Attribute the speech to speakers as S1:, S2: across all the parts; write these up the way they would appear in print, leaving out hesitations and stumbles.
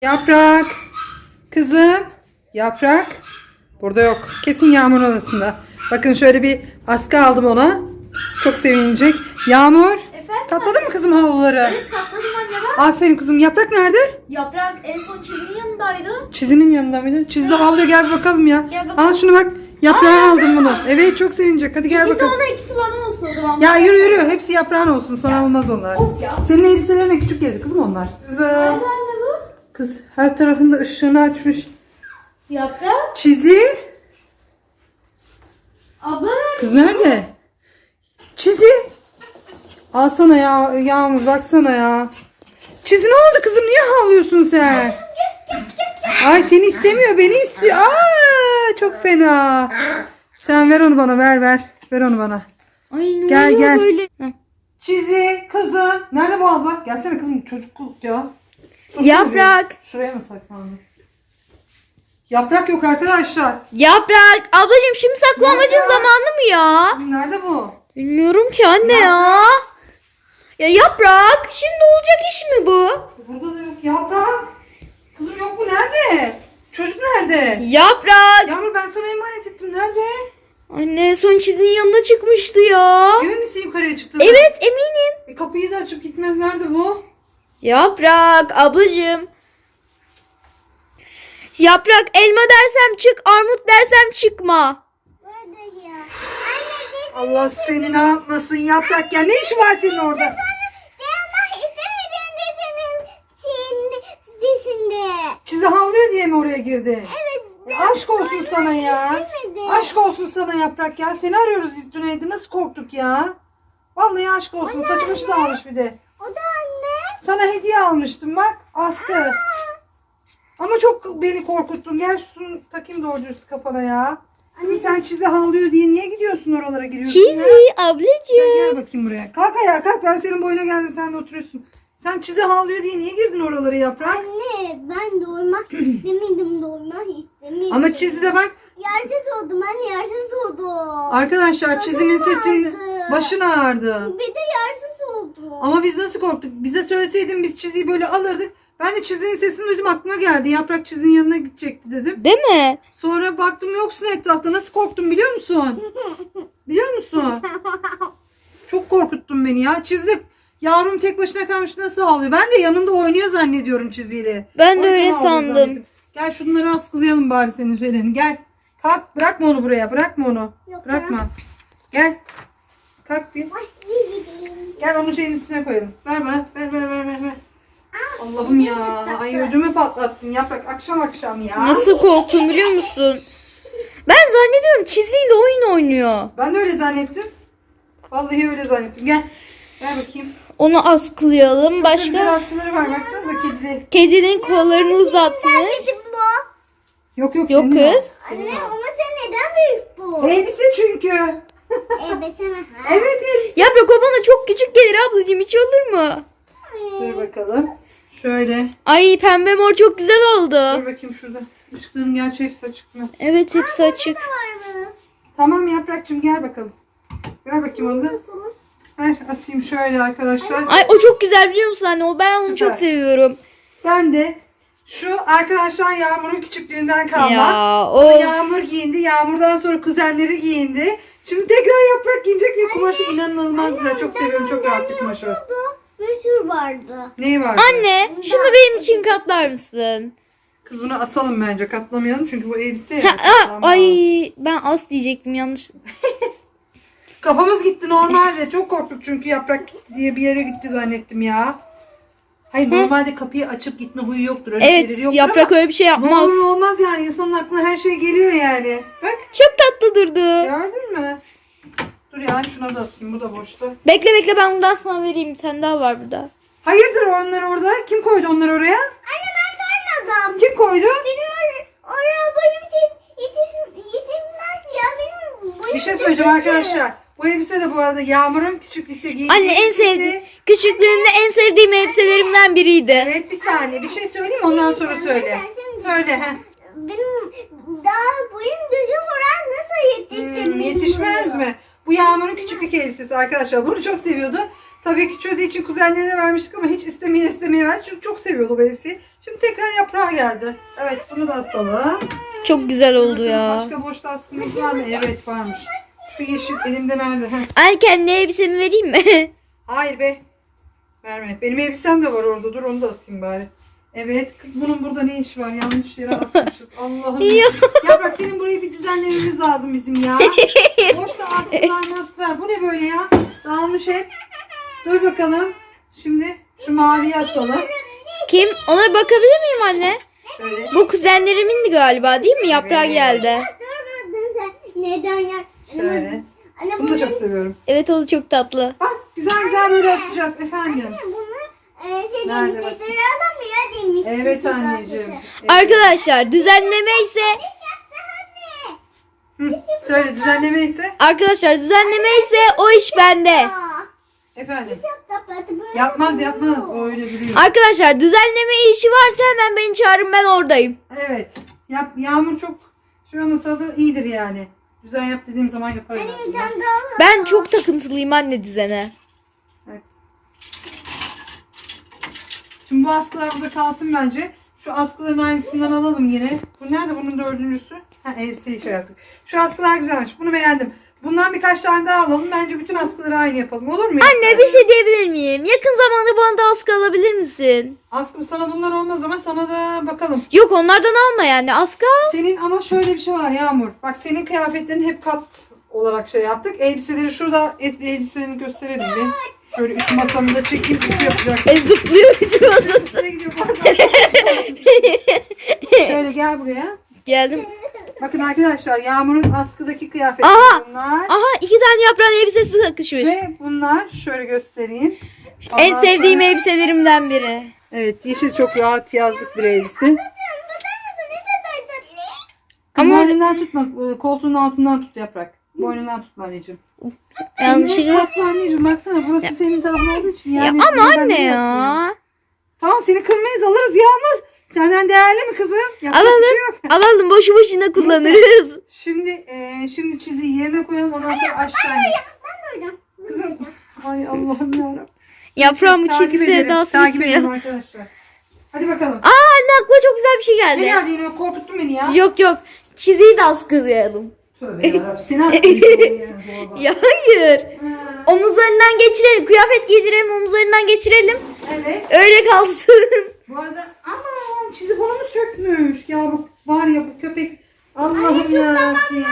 S1: Yaprak. Kızım. Yaprak. Burada yok. Kesin Yağmur odasında. Bakın şöyle bir askı aldım ona. Çok sevinecek. Yağmur.
S2: Efendim?
S1: Katladın mı kızım havluları?
S2: Evet katladım anne bak.
S1: Aferin kızım. Yaprak nerede?
S2: Yaprak en son çizinin yanındaydı.
S1: Çizinin yanında mıydı? Çizdi havluya gel bir bakalım ya.
S2: Gel bakalım.
S1: Al şunu bak. Yaprağı aldım bunu. Evet çok sevinecek. Hadi gel
S2: İkisi
S1: bakalım.
S2: ona ikisi bana olsun o zaman.
S1: Ya yürü yürü. Hepsi yaprağın olsun. Sana olmaz onlar.
S2: Of ya.
S1: Senin elbiselerine küçük gelir kızım onlar. Kızım.
S2: Nerede anne bu?
S1: Kız her tarafında ışığını açmış.
S2: Yaprak.
S1: Çizi.
S2: Abla nerede?
S1: Kız nerede? Çizi. Alsana ya Yağmur baksana ya. Çizi ne oldu kızım? Niye havlıyorsun sen? Ay seni istemiyor beni istiyor. Aa çok fena. Sen ver onu bana ver ver. Ver onu bana.
S2: Ay ne
S1: Gel,
S2: oluyor
S1: gel.
S2: böyle?
S1: Çizi kızım. Nerede bu abla? Gelsene kızım çocuk ya. Dursana
S2: Yaprak.
S1: bir. Şuraya mı saklandı? Yaprak yok arkadaşlar.
S2: Yaprak. Ablacığım şimdi saklamacın
S1: Yaprak.
S2: zamanı mı ya?
S1: Kızım nerede bu?
S2: Bilmiyorum ki anne ya. Ya Yaprak. Şimdi olacak iş mi bu?
S1: Burada da yok. Yaprak. Kızım yok bu nerede? Çocuk nerede?
S2: Yaprak.
S1: Yağmur ben sana emanet ettim. Nerede?
S2: Anne son çizinin yanına çıkmıştı ya.
S1: Emin misin yukarıya çıktı?
S2: Evet eminim.
S1: Kapıyı da açıp gitmez. Nerede bu?
S2: Yaprak ablacığım. Yaprak elma dersem çık, armut dersem çıkma.
S1: Allah seni ne yapmasın Yaprak ya. Ne işi var senin orada? Çizi havlıyor diye mi oraya girdi? Evet. Aşk olsun sana ya. Aşk olsun sana Yaprak ya. Seni arıyoruz biz dün evde. Nasıl korktuk ya? Vallahi aşk olsun. Saçı başı da almış bir de.
S3: O da anne.
S1: Sana hediye almıştım bak. Askı. Ama çok beni korkuttun. Gel şunu takayım doğru dürüst kafana ya. Kızım sen çizi havlıyor diye niye gidiyorsun oralara giriyorsun ya?
S2: Çizi
S1: Gel,
S2: ablacığım.
S1: gel bakayım buraya. Kalk ayağa kalk. Ben senin boyuna geldim. Sen de oturuyorsun. Sen çizi havlıyor diye niye girdin oralara Yaprak?
S3: Anne ben doymak istemedim, doymak istemedim.
S1: Ama çizi de bak.
S3: Yersiz oldum anne, yersiz oldum.
S1: Arkadaşlar çizinin sesini
S3: ağrıdı.
S1: başın ağrıdı.
S3: Bir de yersiz oldum.
S1: Ama biz nasıl korktuk? Bize söyleseydin biz çiziyi böyle alırdık. Ben de çizinin sesini duydum aklıma geldi. Yaprak çizinin yanına gidecekti dedim.
S2: Değil mi?
S1: Sonra baktım yoksun etrafta. Nasıl korktum biliyor musun? Biliyor musun? Çok korkuttun beni ya. Çizi yavrum tek başına kalmış nasıl ağlıyor? Ben de yanında oynuyor zannediyorum çiziyle.
S2: Ben de
S1: O yüzden
S2: öyle
S1: ağlıyor
S2: sandım.
S1: zannettim. Gel şunları askılayalım bari senin şeylerini. Gel. Kalk bırakma onu buraya. Bırakma onu.
S3: Yok
S1: Bırakma. Gel. Kalk bir.
S3: Ay, iyi gideyim.
S1: Gel onu şeyin üstüne koyalım. Ver bana. Ver. Allah'ım ya. Ay ödümü patlattın Yaprak. Akşam ya.
S2: Nasıl korktum biliyor musun? Ben zannediyorum çiziyle oyun oynuyor.
S1: Ben de öyle zannettim. Vallahi öyle zannettim. Gel. Ver bakayım.
S2: Onu askılayalım.
S1: Çok da güzel
S2: Başka
S1: askıları var. Baksanıza kedili.
S2: kedinin kollarını uzatmış.
S3: Bizim bu.
S1: Yok
S2: Yok
S1: senin o.
S2: kız.
S1: Senin
S3: Anne
S1: o.
S3: ama sen neden büyük bu?
S1: Elbise çünkü.
S3: Evet sana.
S1: Evet elbise.
S2: Yaprak o bana çok küçük gelir ablacığım, hiç olur mu?
S1: Dur bakalım. Şöyle.
S2: Ay pembe mor çok güzel
S1: Dur
S2: oldu.
S1: bakayım şurada. Işıkların gerçi hepsi açık mı?
S2: Evet hepsi açık.
S3: Varmış.
S1: Tamam Yaprakçığım gel bakalım. Ver bakayım onu da.
S3: Nasıl?
S1: Ver asayım şöyle arkadaşlar.
S2: Ay o çok güzel biliyor musun anne? O ben onu
S1: Süper.
S2: çok seviyorum.
S1: Ben de şu arkadaşlar Yağmur'un küçüklüğünden kalma.
S2: Ya
S1: Onu
S2: o
S1: Yağmur giyindi. Yağmur'dan sonra kuzenleri giyindi. Şimdi tekrar Yaprak giyecek ve kumaşı inanılmaz güzel. Çok seviyorum. Çok rahat bir kumaş o.
S3: Bir sürü vardı.
S1: Neyi vardı?
S2: anne şunu benim için katlar mısın?
S1: Kız bunu asalım bence. Katlamayalım çünkü bu elbise ya.
S2: Ha,
S1: Katlanmaz.
S2: ay ben as diyecektim yanlış.
S1: Kafamız gitti normalde. Çok korktuk çünkü Yaprak gitti diye bir yere gitti zannettim ya. Hayır normalde kapıyı açıp gitme huyu yoktur. Öyle
S2: Evet
S1: şeyleri yoktur
S2: yaprak
S1: ama
S2: öyle bir şey
S1: ne
S2: yapmaz.
S1: olur olmaz yani. İnsanın aklına her şey geliyor yani. Bak
S2: Çok tatlı durdu.
S1: gördün mü? Dur ya şuna da asayım. Bu da boşta.
S2: Bekle ben bundan sana vereyim, bir tane daha var burada.
S1: Hayırdır onlar orada? Kim koydu onları oraya?
S3: Anne ben doymadım.
S1: Kim koydu?
S3: Benim oraya boyum için yetişmez ya. Benim boyum
S1: Bir şey söyleyeceğim arkadaşlar. Bu elbise de bu arada Yağmur'un küçüklükte giydiği
S2: Anne en
S1: elbiseydi.
S2: sevdiğim, küçüklüğümde en sevdiğim elbiselerimden biriydi.
S1: Evet bir saniye bir şey söyleyeyim ondan sonra söyle. Söyle he.
S3: Benim daha boyum düzgün olan nasıl yetişsin?
S1: Yetişmez mi? Bu Yağmur'un küçüklük elbisesi arkadaşlar. Bunu çok seviyordu. Tabii ki çözdüğü için kuzenlerine vermiştik ama hiç istemeye verdi. Çünkü çok seviyordu bu elbiseyi. Şimdi tekrar yaprağa geldi. Evet, bunu da asalım.
S2: Çok güzel oldu
S1: Bakalım
S2: ya.
S1: Başka boşta askımız var mı? Evet, varmış. Şu yeşil elimde nerede? Heh.
S2: Anne kendi elbisemi vereyim mi?
S1: Hayır be. Verme. Benim elbisem de var orada. Dur, onu da asayım bari. Evet, kız bunun burada ne işi var? Yanlış yere asmışız. Allah'ım.
S2: Ya.
S1: Yaprak, senin burayı bir düzenlememiz lazım bizim ya. Boşta askılar maskılar. Bu ne böyle ya? Dağılmış hep. Dur bakalım. Şimdi şu maviyi asalım.
S2: Kim? Ona bakabilir miyim anne?
S1: Şöyle.
S2: Bu kuzenlerimindi galiba değil mi? Yaprağı
S1: Evet.
S2: geldi.
S3: Durmadın sen. Neden ya?
S1: Şöyle.
S3: Anne
S1: Bunu da çok seviyorum.
S2: Evet o da çok tatlı.
S1: Bak, güzel güzel böyle asacağız efendim.
S3: bunu
S1: Nerede
S3: demişti.
S1: basın?
S3: Sıralamıyor demişti.
S1: Evet anneciğim. Evet.
S2: Arkadaşlar düzenleme ise
S1: Hı, söyle, düzenleme ise
S2: o iş bende.
S1: efendim. Yapmaz o öyle biliyor.
S2: Arkadaşlar düzenleme işi varsa hemen beni çağırın, ben oradayım.
S1: Evet. Yağmur çok şey olmasa da iyidir yani. Düzen yap dediğim zaman yaparız aslında.
S2: Ben çok takıntılıyım anne düzene.
S1: Evet. Şimdi bu askılar burada kalsın bence. Şu askıların aynısından alalım yine. Bu nerede bunun dördüncüsü? Ha, elbiseyi şey yaptık. Şu askılar güzelmiş. Bunu beğendim. Bundan birkaç tane daha alalım. Bence bütün askıları aynı yapalım. Olur mu?
S2: Anne bir şey diyebilir miyim? Yakın zamanda bana da askı alabilir misin?
S1: Askım sana bunlar olmaz ama sana da bakalım.
S2: Yok onlardan alma yani askı al.
S1: Senin ama şöyle bir şey var Yağmur. Bak, senin kıyafetlerin hep kat olarak şey yaptık. Elbiseleri şurada elbiselerini gösterelim bir. Şöyle üst masamı da çekeyim. Ütü yapacak.
S2: Zıplıyor vücudum.
S1: Nereye gidiyor bu arada? Şöyle gel buraya.
S2: Geldim.
S1: Bakın arkadaşlar, Yağmur'un askıdaki kıyafetleri
S2: Aha!
S1: bunlar.
S2: Aha 2 tane yaprağın elbisesi takışmış.
S1: Ve bunlar şöyle göstereyim.
S2: En
S1: Ondan
S2: sevdiğim
S1: sonra-
S2: elbiselerimden biri.
S1: Evet, yeşil çok rahat yazlık bir elbise.
S2: Ama-
S1: Boynundan tutma, koltuğun altından tut Yaprak. Boynundan tutma anneciğim.
S2: Yanlışlıkla.
S1: Tatlı anneciğim, baksana burası senin tarafın olduğu için.
S2: Ya
S1: Yani
S2: ama
S1: ben
S2: anne
S1: de yazayım.
S2: ya.
S1: Tamam, seni kırmayız, alırız Yağmur. Senden değerli mi kızım? Yapacak
S2: Alalım.
S1: bir şey yok.
S2: Alalım boşu boşuna kullanırız.
S1: Şimdi çiziyi yerine koyalım, ondan sonra aşağı inelim. Kızım, ay Allah'ım yarabbim.
S2: Yaprağımı
S1: Takip
S2: çizgi
S1: edelim,
S2: sevdası
S1: takip edelim
S2: bitmiyor.
S1: arkadaşlar. Hadi bakalım.
S2: Aa anne aklıma çok güzel bir şey
S1: Ne
S2: geldi.
S1: geldi yine, korkuttun beni ya.
S2: Yok yok. Çiziyi de askılayalım.
S1: Tövbe yarabbim, seni aslında.
S2: Ya hayır. Omuzlarından geçirelim. Kıyafet giydirelim, omuzlarından geçirelim.
S1: Evet.
S2: Öyle kalsın.
S1: Bu arada aman, çizik onu mu sökmüş? Ya bu var ya, bu köpek. Allah'ım yarabbim.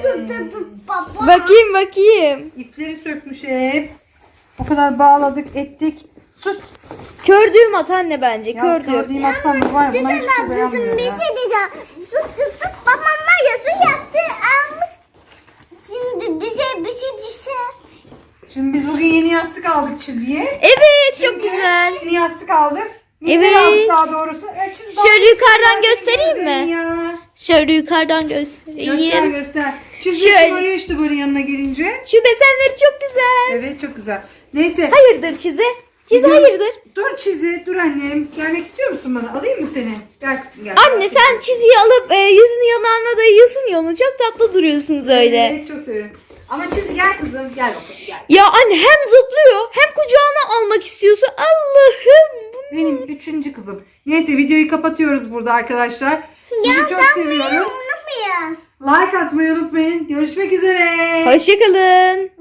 S2: Bakayım.
S1: İpleri sökmüş hep. O kadar bağladık ettik. Sus.
S2: Kördüğüm at anne bence.
S1: Ya
S2: Kördüğüm.
S1: gördüğüm aslan mı var? Buna hiç
S3: Düzen
S1: şey
S3: ablacığım
S1: beğenmiyorum
S3: bir
S1: ya.
S3: şey diyeceğim. Süt babam var ya su yastığı almış. Şimdi bir şey düşer.
S1: Şimdi biz bugün yeni yastık aldık çiziye.
S2: Evet çok
S1: Çünkü
S2: güzel.
S1: Yeni yastık aldık.
S2: Evet.
S1: Neler aldık daha doğrusu? Çiz bak,
S2: Şöyle yukarıdan
S1: ben
S2: göstereyim
S1: seni
S2: mi?
S1: ya.
S2: Şöyle yukarıdan
S1: Göster
S2: göstereyim.
S1: göster. Çizgi
S2: Şöyle.
S1: şımarıyor işte böyle yanına gelince.
S2: Şu desenleri çok güzel.
S1: Evet, çok güzel. Neyse.
S2: Hayırdır çizi? Çizi
S1: Gidiyorum.
S2: hayırdır?
S1: Dur çizi, dur annem. Gelmek istiyor musun bana? Alayım mı seni? Gel kızım gel.
S2: Anne sen çiziyi alıp yüzünü yanağına dayıyorsun ya, onu çok tatlı duruyorsunuz öyle.
S1: Evet, çok seviyorum. Ama çizi gel kızım. Gel bakalım gel.
S2: Ya anne hem zıplıyor hem kucağına almak istiyorsun. Allah'ım.
S1: Benim 3. kızım. Neyse, videoyu kapatıyoruz burada arkadaşlar. Sizi çok seviyoruz.
S3: Unutmayın.
S1: Like atmayı unutmayın. Görüşmek üzere.
S2: Hoşçakalın.